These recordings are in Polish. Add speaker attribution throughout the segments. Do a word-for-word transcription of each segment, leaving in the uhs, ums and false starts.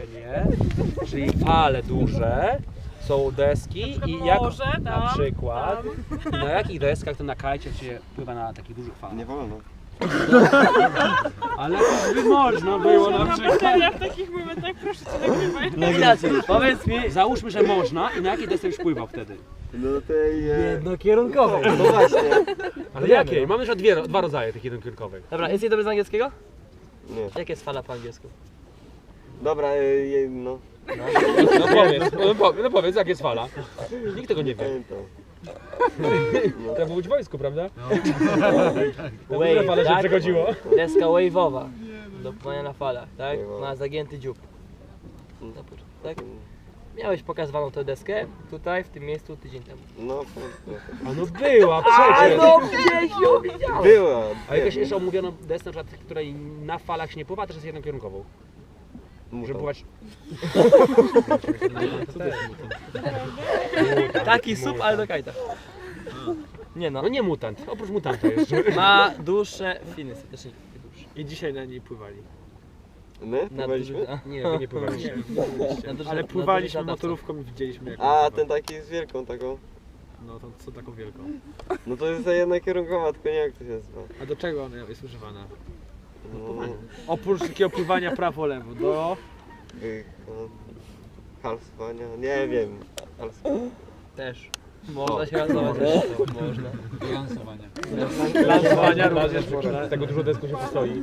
Speaker 1: założenie, czyli fale duże, są deski i jak
Speaker 2: morze,
Speaker 1: na
Speaker 2: tam,
Speaker 1: przykład i na jakich deskach to na kajcie się pływa na takich dużych falach.
Speaker 3: Nie wolno.
Speaker 1: Ale by można było na przykład.
Speaker 2: Ja w takich momentach proszę cię nagrywaj.
Speaker 4: No inaczej, powiedz mi.
Speaker 1: Załóżmy, że można i na jakiej desce już pływał wtedy?
Speaker 3: No tej... E...
Speaker 4: Jednokierunkowej.
Speaker 3: No właśnie.
Speaker 1: Ale jakiej? Mamy już dwie, dwa rodzaje tych jednokierunkowych.
Speaker 4: Dobra, jest jej dobry z angielskiego?
Speaker 3: Nie.
Speaker 4: Jak jest fala po angielsku?
Speaker 3: Dobra, e, je, no.
Speaker 1: No powiedz, no, powiedz, no powiedz, jak jest fala. Nikt tego nie wie.
Speaker 3: Pamiętam.
Speaker 1: Trzeba być w wojsku, prawda? No.
Speaker 4: Wave,
Speaker 1: fale się
Speaker 4: tak?
Speaker 1: przechodziło.
Speaker 4: Deska wave'owa. Do pływania na falach, tak?
Speaker 3: Wave'owa.
Speaker 4: Ma zagięty dziób. Tak? Miałeś pokazywaną tę deskę tutaj, w tym miejscu tydzień temu.
Speaker 3: No,
Speaker 1: A no była
Speaker 4: A
Speaker 1: przecież!
Speaker 4: no gdzieś ją widziałem!
Speaker 3: była.
Speaker 1: A jakaś jeszcze omówiono deskę, na przykład, której na falach się nie pływa, też jest jednokierunkową. Żeby pływać...
Speaker 4: Taki sup, ale do kajta. Nie no.
Speaker 1: No nie mutant, oprócz mutanta jeszcze.
Speaker 4: Ma dłuższe finy, też nie dłuższe.
Speaker 5: I dzisiaj na niej pływali.
Speaker 3: My?
Speaker 4: Na
Speaker 3: Pływaliśmy?
Speaker 4: duży- a,
Speaker 1: Nie, wy nie pływaliście.
Speaker 4: na duży-
Speaker 5: Ale
Speaker 4: na
Speaker 5: pływaliśmy
Speaker 4: duży
Speaker 5: motorówką i widzieliśmy jak
Speaker 3: A,
Speaker 5: on
Speaker 3: ten
Speaker 5: pływa.
Speaker 3: taki z wielką taką.
Speaker 5: No to co taką wielką.
Speaker 3: No to jest ta jedna kierunkowa, tylko nie wiem jak to się nazywa.
Speaker 5: A do czego ona jest używana?
Speaker 3: No,
Speaker 5: Oprócz takiego pływania prawo-lewo, do...
Speaker 3: y, no, halsowania, nie wiem. Halsowania.
Speaker 4: Też. Można się lansować. Można.
Speaker 5: Lansowania również
Speaker 1: Można.
Speaker 5: można.
Speaker 1: Z tego dużo desku się postoi.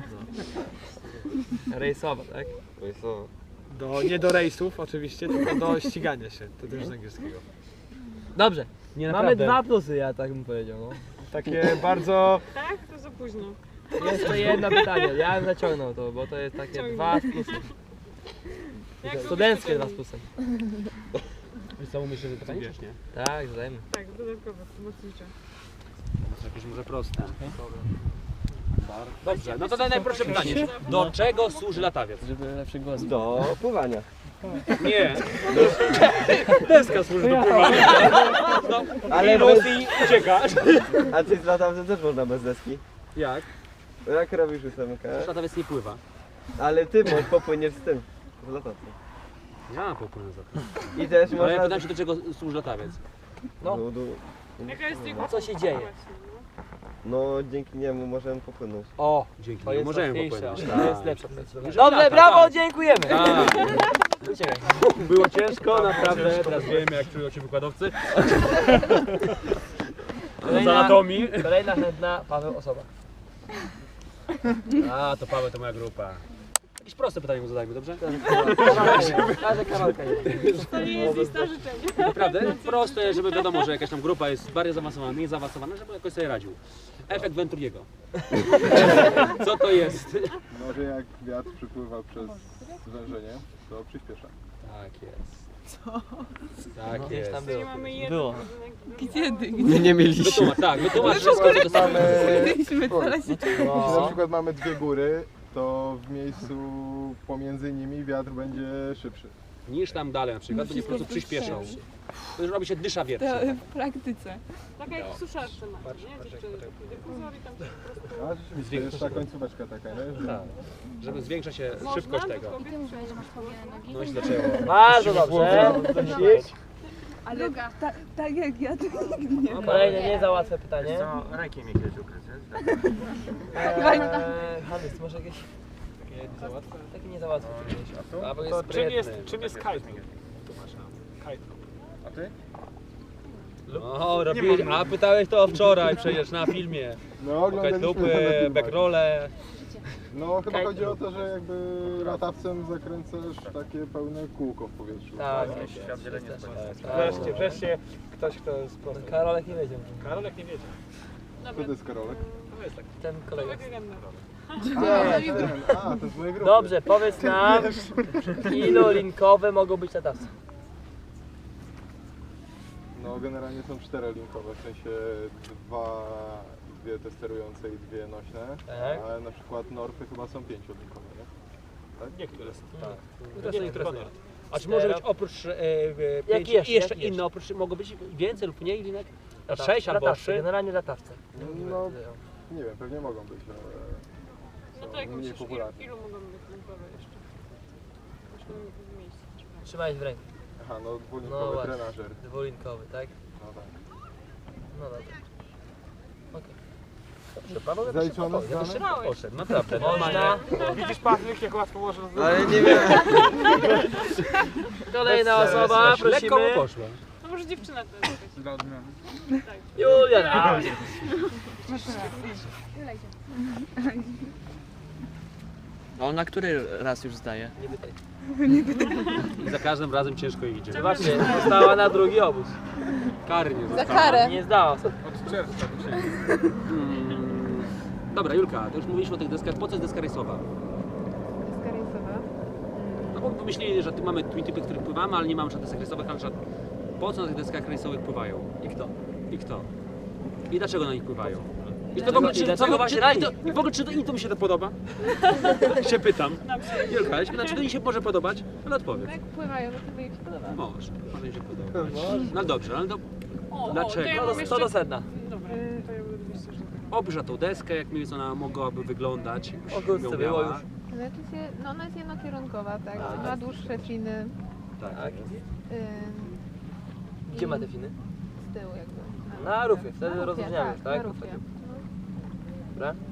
Speaker 4: Rejsowa, tak?
Speaker 3: To jest to.
Speaker 5: Do, nie do rejsów oczywiście, tylko do ścigania się. To też z angielskiego.
Speaker 4: Dobrze.
Speaker 1: Nie,
Speaker 4: Mamy
Speaker 1: naprawdę.
Speaker 4: dwa plusy, ja tak bym powiedział. No.
Speaker 5: Takie bardzo...
Speaker 2: Tak? To za późno.
Speaker 4: Jeszcze jedno pytanie. Ja bym zaciągnął to, bo to jest takie
Speaker 2: Ciągnij.
Speaker 4: dwa z plusem.
Speaker 2: Jak
Speaker 4: Studenckie
Speaker 2: lubisz,
Speaker 4: dwa z plusem.
Speaker 1: Wiesz co, umiesz jeszcze pytanie, czy nie?
Speaker 4: Tak, zadajmy.
Speaker 2: Tak, dodatkowo, pomocnicze.
Speaker 1: To jakieś może proste. Dobrze, no to daj najprostsze pytanie. Do czego służy latawiec?
Speaker 4: Żeby lepszy głos.
Speaker 3: Do pływania.
Speaker 1: Nie. Deska służy do pływania. No,
Speaker 3: Ale
Speaker 1: i
Speaker 3: bez-
Speaker 1: Rosji uciekasz.
Speaker 3: A ty z latawcem też można bez deski.
Speaker 1: Jak?
Speaker 3: Jak robisz ósemkę?
Speaker 1: Latawiec nie pływa.
Speaker 3: Ale ty możesz popłyniesz z tym. Z latawcem.
Speaker 1: Ja popłynę za to.
Speaker 3: I też
Speaker 1: Ale ja
Speaker 3: można...
Speaker 1: pytam się, do czego służy latawiec.
Speaker 4: No.
Speaker 3: Do, do,
Speaker 2: Jaka jest jego...
Speaker 4: Co się dzieje?
Speaker 3: no dzięki niemu możemy popłynąć.
Speaker 4: O,
Speaker 1: Dzięki
Speaker 4: to
Speaker 1: niemu
Speaker 4: jest
Speaker 1: możemy
Speaker 4: łatwiejsze.
Speaker 1: popłynąć.
Speaker 4: To jest
Speaker 1: Tak.
Speaker 4: lepsze.
Speaker 1: Jeżeli
Speaker 4: Dobrze,
Speaker 1: lata,
Speaker 4: brawo,
Speaker 1: tak.
Speaker 4: dziękujemy.
Speaker 1: Tak.
Speaker 4: Uciekaj.
Speaker 1: Było ciężko, naprawdę. Teraz wiemy, jak czują się wykładowcy. Z
Speaker 4: Kolejna,
Speaker 1: anatomii.
Speaker 4: kolejna chętna Paweł osoba.
Speaker 1: A, to Paweł to moja grupa. Jakieś proste pytanie mu zadajmy, dobrze?
Speaker 4: Każda Karolka jest.
Speaker 2: To nie jest lista życzeń.
Speaker 1: Naprawdę proste, żeby wiadomo, że jakaś tam grupa jest bardziej zaawansowana, mniej zaawansowana, żeby jakoś sobie radził. Efekt Venturiego. Co to jest?
Speaker 6: No, że jak wiatr przypływa przez zwężenie, to przyspiesza.
Speaker 1: Tak jest. Co? Tak
Speaker 4: Gdzieś
Speaker 1: jest.
Speaker 4: tam
Speaker 2: To nie
Speaker 4: było.
Speaker 2: mamy jeden
Speaker 4: Było.
Speaker 2: budynek.
Speaker 7: Kiedy?
Speaker 3: Nie, nie mieliśmy.
Speaker 1: Wytłumacz, tak, wytłumacz wszystko, co dostałem.
Speaker 7: Byliśmy teraz
Speaker 6: Jeśli na
Speaker 4: No.
Speaker 6: przykład mamy dwie góry, to w miejscu pomiędzy nimi wiatr będzie szybszy.
Speaker 1: Niż tam dalej na przykład, będzie po prostu przyspieszał. To już robi się dysza wietrze.
Speaker 7: to w praktyce.
Speaker 2: Tak jak w suszarce macie, nie? Dziewczyny, taki dyfuzor i tam się po prostu...
Speaker 6: A rzeczywiście, to jest ta końcóweczka taka, nie? Że...
Speaker 1: Tak. Żeby zwiększa się
Speaker 2: Można,
Speaker 1: szybkość
Speaker 2: do
Speaker 1: tego.
Speaker 2: kobiet,
Speaker 1: No i zaczęło.
Speaker 4: Bardzo dobrze.
Speaker 7: Ale ta, tak jak ja to nigdy nie wiem.
Speaker 4: Kolejne nie za łatwe pytanie.
Speaker 5: Rękiem mnie kiedyś ukryć,
Speaker 4: Eee, Hannes, może jakieś takie nie za łatwe? Takie nie za łatwe. Albo jest
Speaker 5: To czym jest,
Speaker 4: sprytny.
Speaker 5: czym jest kite? Tłumacz nam. Kite.
Speaker 6: A ty?
Speaker 1: No, robiłeś, a pytałeś to wczoraj przecież na filmie.
Speaker 6: No, oglądaliśmy
Speaker 1: Lupy,
Speaker 6: na filmach.
Speaker 1: backrole.
Speaker 6: No, chyba chodzi o to, że jakby latawcem zakręcasz takie pełne kółko w powietrzu.
Speaker 4: Tak,
Speaker 6: Tak.
Speaker 4: jest.
Speaker 5: Wreszcie, wreszcie ktoś, kto jest prosty.
Speaker 4: Karolek nie wiedział.
Speaker 5: Karolek nie wiedział.
Speaker 6: Kto to jest Karolek?
Speaker 5: To jest tak.
Speaker 4: Ten kolega.
Speaker 2: Legenda.
Speaker 6: A, ten, a, to jest moja grupa.
Speaker 4: Dobrze, powiedz nam, ilu linkowe mogą być latawce?
Speaker 6: No, generalnie są czterolinkowe, w sensie dwa, dwie te sterujące i dwie nośne.
Speaker 4: Tak.
Speaker 6: Ale na przykład Norfy chyba są pięciolinkowe, nie?
Speaker 5: Niektóre są.
Speaker 1: Tak.
Speaker 5: Nie,
Speaker 1: To są
Speaker 5: niektóre
Speaker 1: niektóre.
Speaker 5: są.
Speaker 1: A czy może być oprócz e, e, pięć
Speaker 4: jeszcze?
Speaker 1: i jeszcze
Speaker 4: Jaki
Speaker 1: inne, oprócz, mogą być więcej lub mniej linek?
Speaker 4: Latawce,
Speaker 1: Sześć albo
Speaker 4: latawce,
Speaker 1: trzy?
Speaker 4: generalnie latawce.
Speaker 6: No, nie wiem, pewnie mogą być, ale
Speaker 2: No
Speaker 6: są
Speaker 2: to jak
Speaker 6: mniej
Speaker 2: myślisz, ilu,
Speaker 6: popularne.
Speaker 2: ilu mogą być linkowe jeszcze? tym miejscu.
Speaker 4: Trzymałeś w ręku.
Speaker 6: Aha, no
Speaker 4: No
Speaker 6: dwulinkowy
Speaker 4: właśnie.
Speaker 6: trenażer.
Speaker 4: Dwulinkowy, tak?
Speaker 6: No tak.
Speaker 4: No dobra. Okej.
Speaker 1: Dobrze, Paweł jakoś
Speaker 6: Zaliczone
Speaker 1: szybko, jakoś
Speaker 6: strony?
Speaker 1: szybko poszedł, naprawdę.
Speaker 4: Można.
Speaker 5: Widzisz Patryk, jak łatwo można zrobić?
Speaker 3: Ale nie wiem.
Speaker 4: Kolejna osoba,
Speaker 1: Lekko mu
Speaker 4: prosimy.
Speaker 1: poszło.
Speaker 2: No może dziewczyna to jest jakaś.
Speaker 5: Dla odmiany.
Speaker 4: Julia, dawaj.
Speaker 8: A on na który raz już zdaje?
Speaker 4: Nie pytaj.
Speaker 1: I za każdym razem ciężko idzie.
Speaker 4: Zobaczcie, została na drugi obóz.
Speaker 1: Kary nie
Speaker 7: Za
Speaker 1: zostało.
Speaker 7: karę.
Speaker 4: Nie zdała.
Speaker 5: Od czerwca do siebie.
Speaker 1: Mm, Dobra, Julka, to już mówiliśmy o tych deskach. Po co jest deska rejsowa?
Speaker 7: Deska rejsowa.
Speaker 1: No bo pomyśleli, że tu mamy twin typy, których pływamy, ale nie mamy żadnych desek rejsowych, ale żad... po co na tych deskach rejsowych pływają?
Speaker 4: I kto?
Speaker 1: I kto? I dlaczego na nich pływają? I, to w
Speaker 4: Dlaczego-
Speaker 1: ogóle,
Speaker 4: i
Speaker 1: czy,
Speaker 4: dlaczego
Speaker 1: co,
Speaker 4: właśnie
Speaker 1: czy,
Speaker 4: na
Speaker 1: i, to,
Speaker 4: nich?
Speaker 1: I w ogóle czy to, im to mi się to podoba? się pytam. Julka, ja się pytam, czy to im się może podobać? Ale odpowiedz.
Speaker 7: Jak pływają, no to mi się podoba.
Speaker 1: Może, może im się podobać. No dobrze, ale to
Speaker 2: O, o,
Speaker 1: Dlaczego?
Speaker 2: to ja
Speaker 4: To
Speaker 2: mam
Speaker 4: do,
Speaker 2: jeszcze...
Speaker 4: to do sedna.
Speaker 2: Dobra, to ja bym oczywiście, że tak.
Speaker 1: obrzę tą deskę, jak mniej więcej ona mogłaby wyglądać.
Speaker 4: O kurczę,
Speaker 1: Ją
Speaker 4: było
Speaker 1: miała.
Speaker 4: już.
Speaker 7: Znaczy się, no ona jest jednokierunkowa, tak?
Speaker 4: A,
Speaker 7: Ma
Speaker 4: tak.
Speaker 7: dłuższe finy.
Speaker 1: Tak.
Speaker 4: Tak.
Speaker 7: Ym,
Speaker 4: Gdzie
Speaker 7: i
Speaker 4: ma te finy?
Speaker 7: Z tyłu jakby.
Speaker 4: Na rufie, wtedy
Speaker 7: Na rufie,
Speaker 4: rozróżniamy
Speaker 7: tak,
Speaker 4: już, tak?
Speaker 7: na rufie. No.
Speaker 4: Dobra?
Speaker 7: Ym,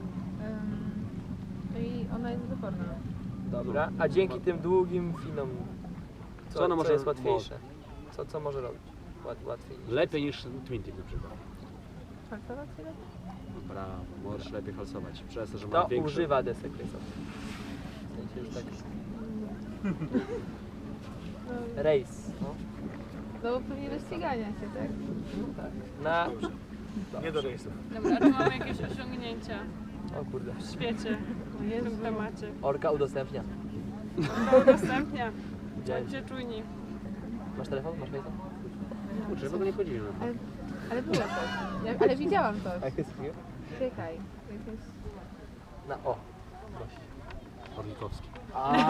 Speaker 7: No i ona jest wyporna.
Speaker 4: Dobra. A dzięki tym długim finom, co,
Speaker 1: Co ona
Speaker 4: co
Speaker 1: może-
Speaker 4: jest łatwiejsze? Co, co może robić? Łat, łatwiej.
Speaker 1: Lepiej niż twin tip na przykład.
Speaker 7: Falsować się lepiej?
Speaker 1: No brawo, możesz lepiej halsować. Przez to, że ma
Speaker 4: Kto
Speaker 1: większy...
Speaker 4: używa desek rejsowych? W sensie już tak...
Speaker 7: No,
Speaker 4: Rejs. No.
Speaker 7: no bo pewnie do ścigania się, tak?
Speaker 4: Na...
Speaker 5: Nie do rejsów.
Speaker 2: Dobra, czy mamy jakieś osiągnięcia
Speaker 4: O kurde.
Speaker 2: w świecie w tym temacie?
Speaker 4: Orka udostępnia.
Speaker 2: To udostępnia.
Speaker 4: Widziałeś?
Speaker 2: Bądźcie czujni.
Speaker 4: Masz telefon? Masz fejsa?
Speaker 1: Kurczę, w ogóle nie chodzili na to.
Speaker 7: Ale, ale było coś. Ja, ale widziałam to.
Speaker 4: A jak jest chwilę?
Speaker 7: Czekaj. Jakieś...
Speaker 4: Na o.
Speaker 1: Orlikowski.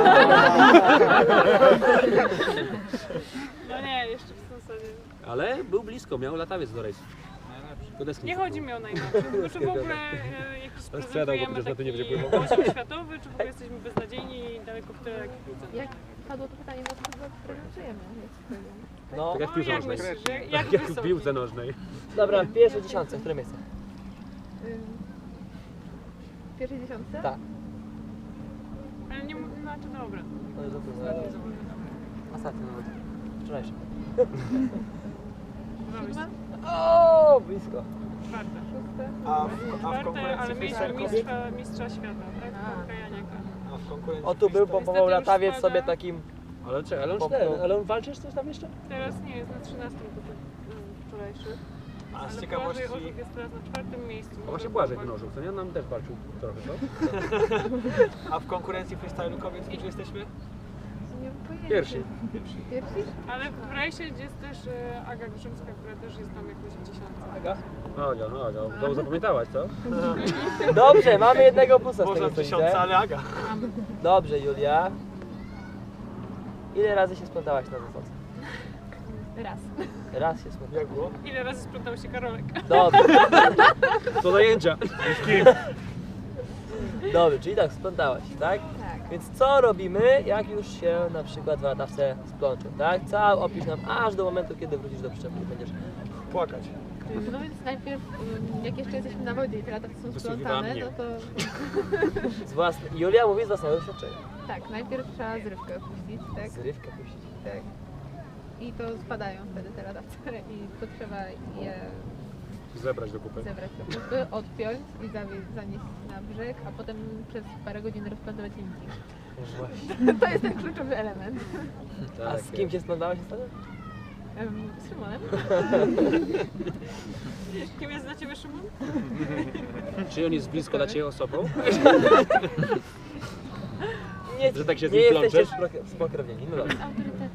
Speaker 2: No nie, jeszcze w zasadzie.
Speaker 1: Ale był blisko, miał latawiec do rejsu. Do deski
Speaker 2: Nie chodzi mi o najlepsze, tylko czy w ogóle e, jakiś
Speaker 1: sprzedał go,
Speaker 2: prezentujemy
Speaker 1: przecież na to nie
Speaker 2: taki
Speaker 1: będzie pływał.
Speaker 2: poziom światowy, czy w ogóle jesteśmy beznadziejni i daleko w tyle jak widzę.
Speaker 7: Jak padło to pytanie, no to chyba prezentujemy.
Speaker 4: No.
Speaker 1: Tak jak w piłce
Speaker 2: jak
Speaker 1: nożnej.
Speaker 2: myślisz, jak, jak
Speaker 1: Tak jak w
Speaker 2: wysoko?
Speaker 1: piłce nożnej.
Speaker 4: Dobra, w pierwszej dziesiątce, które miejsce?
Speaker 7: W pierwszej dziesiątce?
Speaker 4: Tak.
Speaker 2: Ale nie mówię, znaczy dobra.
Speaker 4: No i dobra.
Speaker 2: Ostatni zobaczę.
Speaker 4: Ostatni nawet. Wczorajszy.
Speaker 7: Siódma?
Speaker 4: O, blisko.
Speaker 2: Czwarte.
Speaker 7: Szóste?
Speaker 5: A w, a w
Speaker 2: Czwarte,
Speaker 5: konkurencji
Speaker 2: ale mieliśmy
Speaker 5: freestyle kobiet?
Speaker 2: mistrza, mistrza świata, tak?
Speaker 7: A.
Speaker 2: Kajaniaka.
Speaker 5: A w konkurencji
Speaker 4: O, tu był,
Speaker 5: freestyle?
Speaker 4: pompował
Speaker 2: Niestety już
Speaker 4: latawiec
Speaker 2: spada.
Speaker 4: sobie takim...
Speaker 1: Ale czekaj, ale on
Speaker 4: Popchnął.
Speaker 1: cztery, ale on walczysz coś tam jeszcze?
Speaker 2: Teraz nie jest na trzynastym po tym mm, wczorajszych.
Speaker 5: A z
Speaker 2: Ale
Speaker 5: ciekawości...
Speaker 2: Błażej Orzech jest teraz na czwartym miejscu.
Speaker 1: A właśnie Błażej wynosił, co nie? On nam też walczył trochę, co?
Speaker 5: A w konkurencji freestylu kobiet gdzie jesteśmy?
Speaker 7: Nie mam pojęcia.
Speaker 1: Pierwsi.
Speaker 7: Pierwsi?
Speaker 2: Ale w rejsie jest też e, Aga Grzymska, która też jest tam jakoś w dziesiątce.
Speaker 4: Aga?
Speaker 1: No, Aga, no, Aga. Znowu zapamiętałaś, co?
Speaker 4: Dobrze, mamy jednego plusa z
Speaker 5: Można
Speaker 4: tego
Speaker 5: w
Speaker 4: co
Speaker 5: tysiące,
Speaker 4: widzę.
Speaker 5: ale Aga.
Speaker 4: Dobrze, Julia. Ile razy się splątałaś na zasadzce?
Speaker 7: Raz.
Speaker 4: Raz się splątałaś.
Speaker 5: Jak było?
Speaker 2: Ile razy splątał się Karolek?
Speaker 4: Dobrze,
Speaker 1: Co zajęcia?
Speaker 4: dobrze, czyli tak, splątałaś, tak?
Speaker 7: Tak.
Speaker 4: Więc co robimy, jak już się na przykład w latawce splączą, tak? Cały opisz nam aż do momentu, kiedy wrócisz do przyczepy i będziesz...
Speaker 5: Płakać.
Speaker 7: No więc najpierw, ym, jak jeszcze jesteśmy na wodzie i te latawce są
Speaker 1: Wysłuchiwała
Speaker 7: splątane,
Speaker 1: mnie.
Speaker 7: no to
Speaker 4: Z własne... Julia mówi z własnego doświadczenia.
Speaker 7: tak, najpierw trzeba zrywkę opuścić, tak?
Speaker 4: Zrywkę puścić.
Speaker 7: Tak. I to spadają wtedy te latawce i to trzeba je
Speaker 1: Zebrać do kupy.
Speaker 7: zebrać do kupy, odpiąć i zawieźć, zanieść na brzeg, a potem przez parę godzin rozplątować linki.
Speaker 4: Właśnie.
Speaker 7: To jest ten kluczowy element.
Speaker 4: A z kim się splątałaś ostatnio?
Speaker 7: Ym, Z Szymonem?
Speaker 2: Kim jest dla Ciebie Szymon?
Speaker 1: Czy on jest blisko dla Ciebie osobą?
Speaker 4: Nie,
Speaker 1: Że tak się z
Speaker 4: nie
Speaker 1: nim
Speaker 4: jesteście
Speaker 1: plączesz?
Speaker 4: spro- spokrewnieni, no dobrze.
Speaker 7: Autorytet.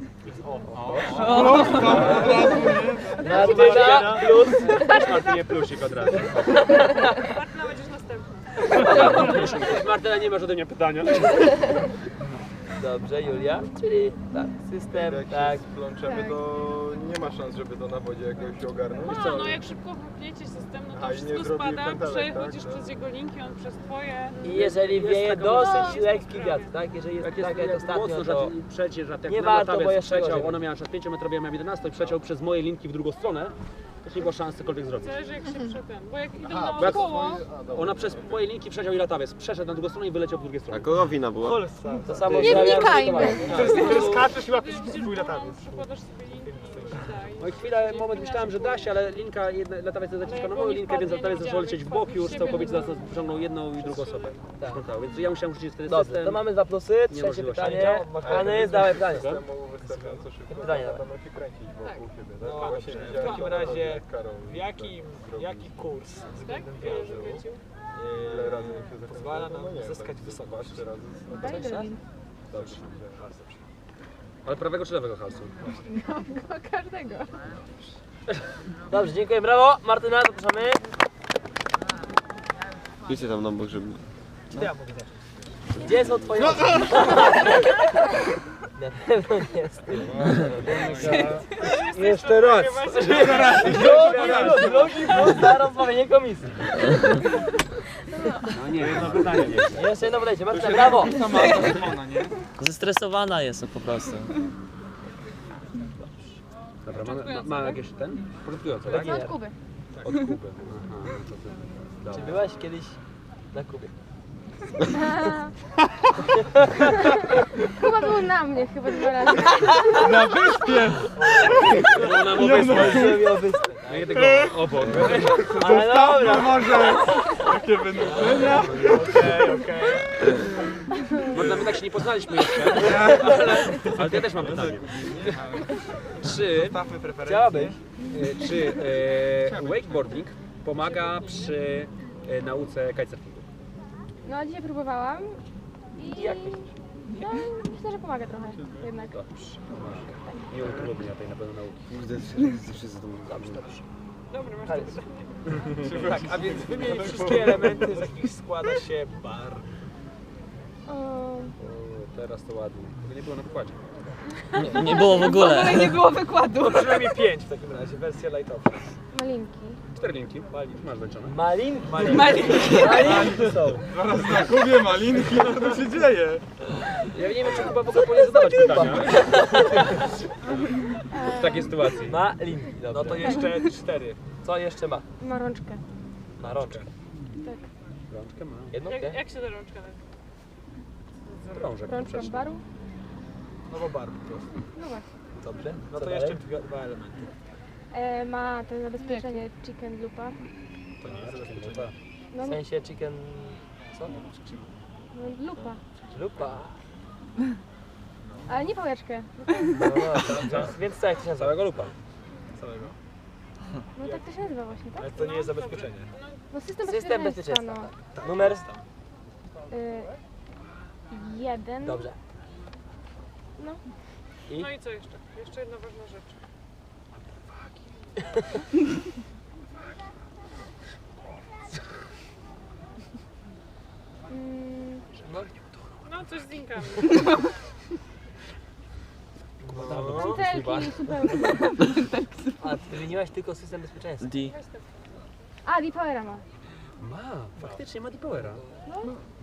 Speaker 4: Martyna plus...
Speaker 1: Też Martynie plusik od razu.
Speaker 2: Martyna, będziesz następna.
Speaker 1: Martyna, nie masz ode mnie pytania.
Speaker 4: Dobrze, Julia. Czyli tak, system,
Speaker 6: Jak
Speaker 4: tak.
Speaker 6: się splączemy,
Speaker 7: Tak.
Speaker 6: to nie ma szans, żeby to na wodzie jakoś ogarnąć.
Speaker 2: A, no jak szybko wypniecie system, no to
Speaker 6: A, i nie
Speaker 2: wszystko
Speaker 6: zrobi
Speaker 2: spada,
Speaker 6: pętelek,
Speaker 2: przechodzisz
Speaker 6: tak?
Speaker 2: przez jego linki, on przez twoje.
Speaker 4: I jeżeli
Speaker 1: Jest
Speaker 4: wieje
Speaker 1: taka
Speaker 4: dosyć
Speaker 2: możliwość.
Speaker 4: lekki wiatr, tak? Jeżeli jest
Speaker 1: Jak jest,
Speaker 4: tak jak
Speaker 1: jak
Speaker 4: ostatnio,
Speaker 1: mocno,
Speaker 4: to...
Speaker 1: że przeciął, że jak
Speaker 4: nie
Speaker 1: na
Speaker 4: warto, bo
Speaker 1: latawiec
Speaker 4: jeszcze
Speaker 1: przeciął,
Speaker 4: gorzej.
Speaker 1: ona miała szat pięć metrów, ja miałem jedenaście, przeciął przez moje linki w drugą stronę, to nie było szans cokolwiek zrobić.
Speaker 2: Zależy jak się przetem, bo jak idą
Speaker 6: Aha,
Speaker 1: bo jak
Speaker 2: naokoło,
Speaker 1: Ona przez moje linki przeciął i latawiec, przeszedł na drugą stronę i wyleciał po drugiej
Speaker 3: A
Speaker 1: stronie.
Speaker 3: kogo wina była?
Speaker 4: To samo
Speaker 7: Nie
Speaker 4: zamawiam
Speaker 7: wnikajmy.
Speaker 4: testowanie.
Speaker 5: Który skaczesz i łapiesz
Speaker 2: widzisz
Speaker 5: swój
Speaker 2: górą,
Speaker 5: latawiec.
Speaker 2: przykładasz sobie linki i daj.
Speaker 1: No i chwilę, moment myślałem, że da się, ale linka, jedna, latawiec zaciska na moją linkę, więc latawiec zaczął lecieć w bok i już całkowicie zaraz nas pociągnął jedną i drugą osobę.
Speaker 4: Tak.
Speaker 1: Sprzątał, więc ja musiałem rzucić wtedy
Speaker 4: Dobrze,
Speaker 1: system.
Speaker 4: to mamy dwa plusy. Trzecie
Speaker 1: Niemożliwość.
Speaker 4: pytanie. Hany, zdawaj pytanie.
Speaker 6: Systemu wystarczająco szybko,
Speaker 4: Pytanie
Speaker 6: to
Speaker 4: dawaj.
Speaker 6: będą się kręcić wokół siebie. Tak?
Speaker 5: No
Speaker 6: Bo
Speaker 5: dobrze,
Speaker 6: właśnie
Speaker 5: w
Speaker 6: widziałem,
Speaker 5: takim
Speaker 6: co
Speaker 5: razie
Speaker 6: jak Karol
Speaker 5: w jakim,
Speaker 6: zrobił.
Speaker 5: jaki kurs
Speaker 2: Tak?
Speaker 5: względem
Speaker 2: Ile
Speaker 5: wiatru
Speaker 2: wykręcił?
Speaker 6: Ile razy jak się
Speaker 5: pozwala
Speaker 6: zakręcało,
Speaker 5: nam
Speaker 6: no nie,
Speaker 5: zyskać
Speaker 6: tak
Speaker 5: wysokość?
Speaker 6: dwa, trzy razy z-
Speaker 7: Daj drogin.
Speaker 6: Dobrze.
Speaker 1: Ale prawego czy lewego halsu?
Speaker 7: No, każdego.
Speaker 4: Dobrze, dziękuję, brawo. Martyna, zapraszamy.
Speaker 3: Idźcie tam na bok, żeby...
Speaker 5: To ja mogę zacząć.
Speaker 4: Gdzie są twoje oczy? Na pewno nie jest.
Speaker 5: Jeszcze raz.
Speaker 4: Drugi, drugi plus za rozmawianie komisji.
Speaker 1: No nie, jedno pytanie nie.
Speaker 4: Jeszcze jedno podejście. Martyna, brawo.
Speaker 8: Zestresowana jest po prostu.
Speaker 1: Dobra, ma, ma, ma jakieś ten? Początkująco, tak?
Speaker 7: No od Kuby.
Speaker 1: Od Kuby. Aha, no to ty.
Speaker 4: Czy
Speaker 1: Dobra.
Speaker 4: byłaś kiedyś na Kubie?
Speaker 7: Kuba był na mnie chyba dwa razy.
Speaker 5: Na wyspie!
Speaker 1: No nam obecność.
Speaker 4: Zrobił wyspę.
Speaker 1: No i tego obok.
Speaker 4: Ale dobra.
Speaker 5: Może takie wynurzenia? Okej, okej.
Speaker 1: Można my tak się nie poznaliśmy jeszcze, ale, ale to ja też mam pytanie. Czy,
Speaker 5: Stawmy preferencje.
Speaker 4: Chciałabyś?
Speaker 1: e, czy e, wakeboarding pomaga przy e, nauce kitesurfingu?
Speaker 7: No dzisiaj próbowałam i...
Speaker 4: I jak myślisz?
Speaker 7: No myślę, że pomaga trochę jednak.
Speaker 1: Dobrze. Nie utrudnia tej na pewno nauki.
Speaker 3: Kurde, zawsze za to
Speaker 4: Dobrze, dobrze.
Speaker 2: Dobra, masz
Speaker 4: Ale-
Speaker 2: to.
Speaker 5: Tak, a więc wymień wszystkie elementy, z jakich składa się bar.
Speaker 7: O,
Speaker 1: O, teraz to ładnie. Tego nie było na pokładzie.
Speaker 8: Nie, nie było w ogóle.
Speaker 2: Nie było wykładu.
Speaker 5: No przynajmniej pięć w takim razie, wersja lightowa.
Speaker 7: malinki.
Speaker 1: Cztery linki. Masz zaliczone.
Speaker 4: Malin?
Speaker 5: Malin.
Speaker 4: Malinki są.
Speaker 6: Zaraz na Kubie malinki, no to się dzieje.
Speaker 1: Ja nie wiem, czy chyba w ogóle powinien zadawać pytania. W takiej sytuacji.
Speaker 4: Malinki, dobrze.
Speaker 5: No to jeszcze cztery.
Speaker 4: Co jeszcze ma?
Speaker 7: Ma rączkę.
Speaker 4: Ma rączkę.
Speaker 7: Tak.
Speaker 1: Rączkę ma.
Speaker 4: Jedną?
Speaker 2: Jak,
Speaker 4: Nie?
Speaker 2: jak się ta rączka nazywa?
Speaker 1: Krążek.
Speaker 7: Rączka
Speaker 1: przecież.
Speaker 7: baru?
Speaker 5: No bo bar po prostu.
Speaker 7: No właśnie.
Speaker 4: Dobrze.
Speaker 5: No
Speaker 4: Co
Speaker 5: to
Speaker 4: dalej?
Speaker 5: jeszcze dwa, dwa elementy.
Speaker 7: E, ma to zabezpieczenie chicken loopa.
Speaker 5: To nie jest
Speaker 1: Chyba.
Speaker 5: zabezpieczenie.
Speaker 7: No,
Speaker 4: W sensie chicken... Co?
Speaker 7: no lupa.
Speaker 4: Lupa.
Speaker 7: Ale nie pałeczkę.
Speaker 4: No, no, więc, więc co, jak to się nazywa?
Speaker 1: Całego lupa.
Speaker 5: Całego.
Speaker 7: No tak to się nazywa właśnie, tak?
Speaker 5: Ale to nie jest zabezpieczenie.
Speaker 7: No system,
Speaker 4: System
Speaker 7: bezpieczeństwa,
Speaker 4: bezpieczeństwa.
Speaker 7: no.
Speaker 4: Tak. Numer?
Speaker 7: Y, jeden.
Speaker 4: Dobrze.
Speaker 7: No.
Speaker 4: I?
Speaker 2: No i co jeszcze? Jeszcze jedna ważna rzecz.
Speaker 7: Mm,
Speaker 2: No coś z linkami.
Speaker 7: pętelki, supełki.
Speaker 4: A ty wymieniłaś tylko system bezpieczeństwa.
Speaker 8: D.
Speaker 7: A, Deepowera ma.
Speaker 1: Ma, faktycznie ma Deepowera.
Speaker 7: No.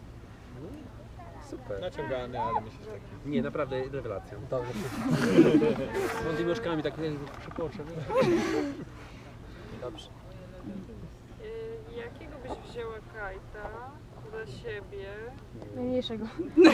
Speaker 1: Super.
Speaker 6: Naciągany, ale myślę, że taki.
Speaker 1: Nie, naprawdę rewelacja.
Speaker 4: Dobrze.
Speaker 1: Z tymi oczkami tak przypoczę.
Speaker 4: Dobrze.
Speaker 2: Y, jakiego byś wzięła kajta dla siebie?
Speaker 7: Najmniejszego.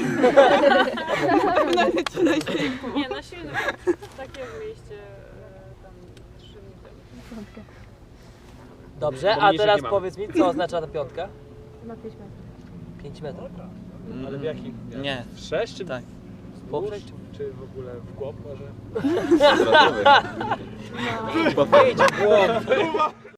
Speaker 2: Nie, na silnym. Takie w mieście e, tam trzy dni temu.
Speaker 4: Dobrze,
Speaker 1: Bo
Speaker 4: a
Speaker 1: mniejszych
Speaker 4: teraz
Speaker 1: nie mamy.
Speaker 4: powiedz mi, co oznacza ta piątka?
Speaker 7: Ma pięć metrów.
Speaker 4: pięć metrów.
Speaker 5: Ale w jakim?
Speaker 8: Nie.
Speaker 1: W sześć czy
Speaker 8: Tak.
Speaker 4: Poprzeć?
Speaker 5: Czy w ogóle w głąb może?
Speaker 3: Kwadratowy.
Speaker 1: Idź w głąb.